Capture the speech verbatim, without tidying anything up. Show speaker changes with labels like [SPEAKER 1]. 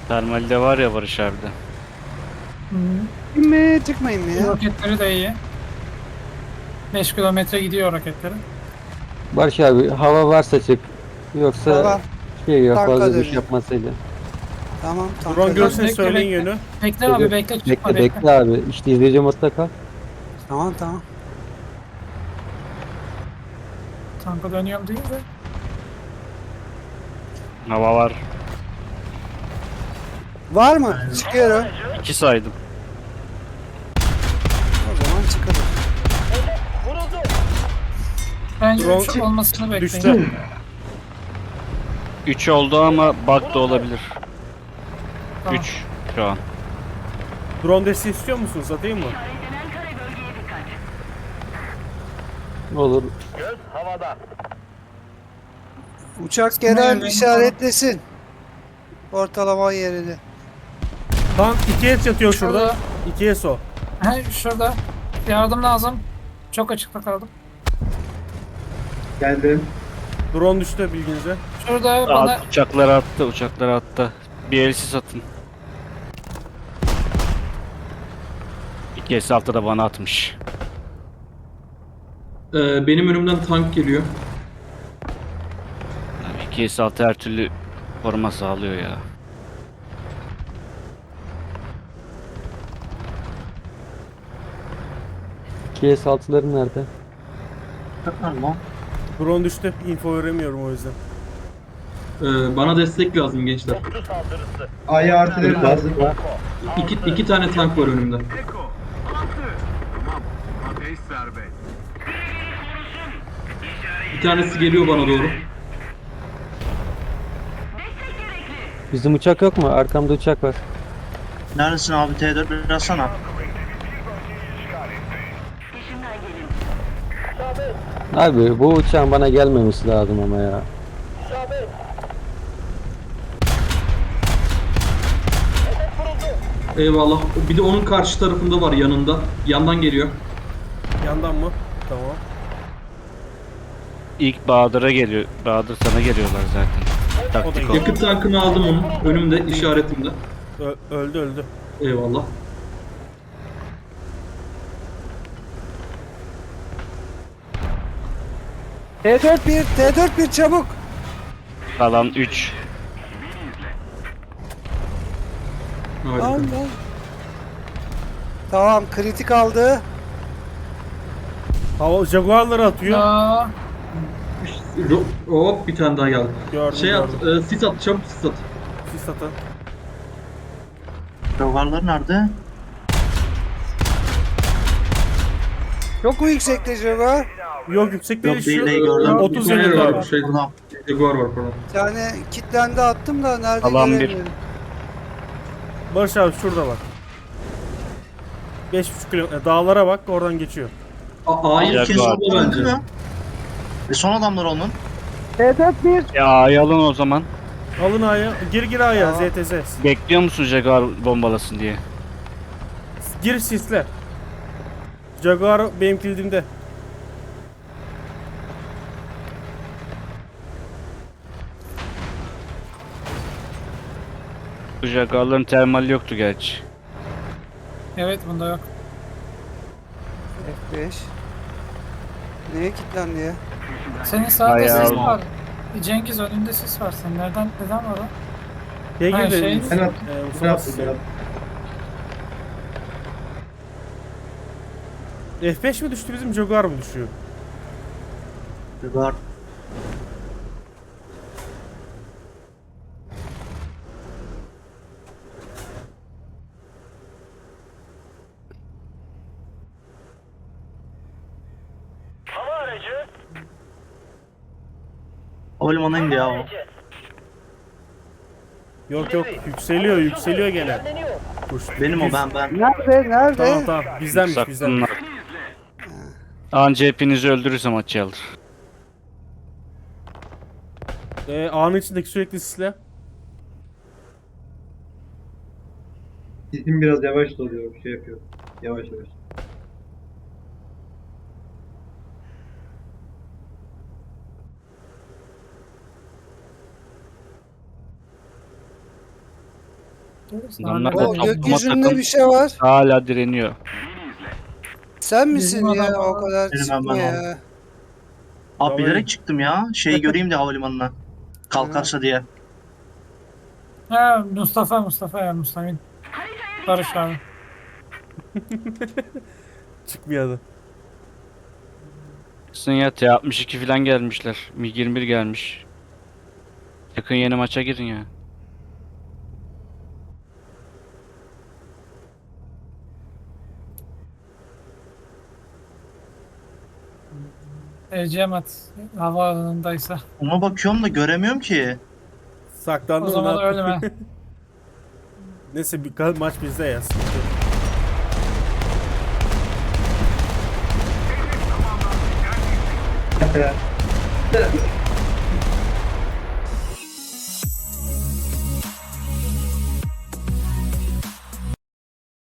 [SPEAKER 1] Termalde var ya Barış abi de.
[SPEAKER 2] Hı.
[SPEAKER 3] mi çıkmayın mı ya?
[SPEAKER 2] Roketleri de iyi. beş kilometre gidiyor roketleri.
[SPEAKER 4] Barış abi hava varsa çık. Yoksa
[SPEAKER 3] Tamam.
[SPEAKER 4] şey yok
[SPEAKER 3] Tanka
[SPEAKER 4] fazla düş
[SPEAKER 3] dönüyorum.
[SPEAKER 4] yapmasıyla.
[SPEAKER 3] Tamam
[SPEAKER 5] Drone
[SPEAKER 3] tanka
[SPEAKER 5] görsün
[SPEAKER 3] dönüyorum.
[SPEAKER 2] Bekle,
[SPEAKER 5] söyleyin
[SPEAKER 2] bekle.
[SPEAKER 5] yönü.
[SPEAKER 2] Bekle abi bekle çıkma
[SPEAKER 4] Bekle
[SPEAKER 2] bekle.
[SPEAKER 4] bekle abi. İşte izleyici modda kal.
[SPEAKER 3] Tamam tamam.
[SPEAKER 2] Tanka dönüyorum değil de.
[SPEAKER 1] Hava var.
[SPEAKER 3] Var mı? Çıkıyorum.
[SPEAKER 1] İki saydım.
[SPEAKER 3] O zaman çıkalım.
[SPEAKER 2] Bence
[SPEAKER 5] Drone
[SPEAKER 2] üç olmasını bekleyin.
[SPEAKER 5] Düştü.
[SPEAKER 1] Üç oldu ama bug da olabilir.
[SPEAKER 2] Tamam.
[SPEAKER 1] Üç şu an.
[SPEAKER 5] Drone desteği istiyor musunuz? Atayım mı?
[SPEAKER 4] Olur.
[SPEAKER 3] Uçak
[SPEAKER 2] Çıkmayın,
[SPEAKER 3] gelen
[SPEAKER 2] benim
[SPEAKER 3] işaretlesin. Ortalama yerini.
[SPEAKER 5] Tank ikiye yatıyor şurada.
[SPEAKER 2] Şurada.
[SPEAKER 5] İkiye so.
[SPEAKER 2] He, şurada. Yardım lazım. Çok açıkta kaldım.
[SPEAKER 6] Geldim.
[SPEAKER 5] Drone düştü bilginize.
[SPEAKER 2] Şurada bana
[SPEAKER 1] At, uçakları attı, uçakları attı. Bir elsi satın. İki elsi altı da bana atmış.
[SPEAKER 6] Ee, benim önümden tank geliyor.
[SPEAKER 1] Yani iki elsi altı her türlü koruma sağlıyor ya.
[SPEAKER 4] iki S altıların nerede?
[SPEAKER 5] Drone düştü. Info veremiyorum o yüzden.
[SPEAKER 6] Ee, bana destek lazım gençler.
[SPEAKER 7] A'ya artileri lazım.
[SPEAKER 6] İki, iki tane tank var önümde. Bir tanesi geliyor bana doğru.
[SPEAKER 4] Bizim uçak yok mu? Arkamda uçak var.
[SPEAKER 7] Neredesin abi? T dört biraz sana.
[SPEAKER 4] Abi bu uçağın bana gelmemesi lazım ama ya.
[SPEAKER 6] Eyvallah. Bir de onun karşı tarafında var yanında. Yandan geliyor.
[SPEAKER 5] Yandan mı? Tamam.
[SPEAKER 1] İlk Bahadır'a geliyor. Bahadır sana geliyorlar zaten. Taktik ol.
[SPEAKER 6] Yakıt tankını aldım onun. Önümde işaretimde.
[SPEAKER 5] Ö- öldü öldü.
[SPEAKER 6] Eyvallah.
[SPEAKER 3] T dört bir, T dört bir çabuk.
[SPEAKER 1] Kalan üç.
[SPEAKER 6] Harika.
[SPEAKER 3] Allah. Tamam kritik aldı.
[SPEAKER 5] Hava Jaguar'ları atıyor.
[SPEAKER 2] ya
[SPEAKER 6] Ro- Hop bir tane daha geldi.
[SPEAKER 5] Gördüm
[SPEAKER 6] Şey at,
[SPEAKER 5] gördüm.
[SPEAKER 6] e, sis at, çabuk sis at.
[SPEAKER 5] Sis atın.
[SPEAKER 7] Rogarlar nerede?
[SPEAKER 3] Çok mu yüksekte Jaguar?
[SPEAKER 5] Yok yüksek değil
[SPEAKER 7] Yok,
[SPEAKER 5] şu.
[SPEAKER 7] değil, değil, gördüm.
[SPEAKER 5] otuz
[SPEAKER 6] Bir tane
[SPEAKER 5] yedi
[SPEAKER 6] var,
[SPEAKER 5] var.
[SPEAKER 6] Şey,
[SPEAKER 7] Buradan.
[SPEAKER 6] Jaguar var pardon.
[SPEAKER 3] Bir tane kitlendi attım da nerede
[SPEAKER 1] Alan bir.
[SPEAKER 3] göremiyorum.
[SPEAKER 5] Barış abi şurada bak. beş buçuk kilometre. Dağlara bak oradan geçiyor.
[SPEAKER 6] A- A'yı
[SPEAKER 1] Jaguar.
[SPEAKER 6] kes
[SPEAKER 7] Kesin
[SPEAKER 6] orada
[SPEAKER 7] öldü
[SPEAKER 6] bence.
[SPEAKER 7] mü? E son adamlar onun.
[SPEAKER 3] T dört bir.
[SPEAKER 1] Ya yalın o zaman.
[SPEAKER 5] Alın A'ya. Gir gir A'ya
[SPEAKER 3] Tamam.
[SPEAKER 5] Z T S.
[SPEAKER 1] Bekliyor musun Jaguar bombalasın diye?
[SPEAKER 5] Gir sisle. Jaguar benim kilidimde.
[SPEAKER 1] Bu Jaguar'ların termali yoktu gerçi.
[SPEAKER 2] evet bunda yok.
[SPEAKER 3] F beş. Neye kilitlendi ya?
[SPEAKER 2] Senin sağda
[SPEAKER 1] Bayağı-
[SPEAKER 2] sis var. Cengiz önünde sis var senin. Nereden neden var o?
[SPEAKER 5] Şey
[SPEAKER 2] Ha,
[SPEAKER 5] girdi.
[SPEAKER 2] şey-
[SPEAKER 7] Ben attım.
[SPEAKER 5] Ee,
[SPEAKER 7] Ben
[SPEAKER 5] Mustafa
[SPEAKER 7] attım. Ben attım.
[SPEAKER 5] F beş mi düştü bizim Jaguar mı düşüyor?
[SPEAKER 7] Rogar. Havalimanına indi ya o.
[SPEAKER 5] Yok yok yükseliyor yükseliyor gene. Kuş.
[SPEAKER 7] Benim o
[SPEAKER 5] Yüz-
[SPEAKER 7] ben ben.
[SPEAKER 3] Nerede? Nerede?
[SPEAKER 5] Tamam tamam bizdenmiş bizden.
[SPEAKER 1] Saklınlar. Anca hepinizi öldürürse maçı alır.
[SPEAKER 5] Ee, A'nın içindeki sürekli sisle.
[SPEAKER 7] Sesim biraz yavaş doluyor. Şey yapıyor. Yavaş yavaş.
[SPEAKER 1] Adamlar da
[SPEAKER 3] O
[SPEAKER 1] toplama
[SPEAKER 3] gökyüzünde
[SPEAKER 1] takım
[SPEAKER 3] bir şey var.
[SPEAKER 1] hala direniyor.
[SPEAKER 3] Sen misin
[SPEAKER 2] Bizim
[SPEAKER 3] ya?
[SPEAKER 2] adam-
[SPEAKER 3] O kadar
[SPEAKER 7] Benim
[SPEAKER 3] çıkma
[SPEAKER 7] ben
[SPEAKER 3] ya.
[SPEAKER 7] Abi
[SPEAKER 5] Vallahi-
[SPEAKER 7] bilerek çıktım ya. Şeyi göreyim de havalimanına. Kalkarsa diye.
[SPEAKER 2] Ha Mustafa Mustafa ya Mustafa. Barış abi.
[SPEAKER 5] Çıkmıyordu.
[SPEAKER 1] Sizin ya T altmış iki falan gelmişler. MiG yirmi bir gelmiş. Yakın yeni maça girin ya.
[SPEAKER 2] Ecemat havaalanındaysa.
[SPEAKER 7] Ona bakıyorum da göremiyorum ki.
[SPEAKER 5] Saklandı
[SPEAKER 2] O
[SPEAKER 5] mı,
[SPEAKER 2] zaman
[SPEAKER 5] ne yaptı?
[SPEAKER 2] ölme.
[SPEAKER 5] Neyse bir ka- maç bizde ya. sıkıntı yok.
[SPEAKER 7] Evet.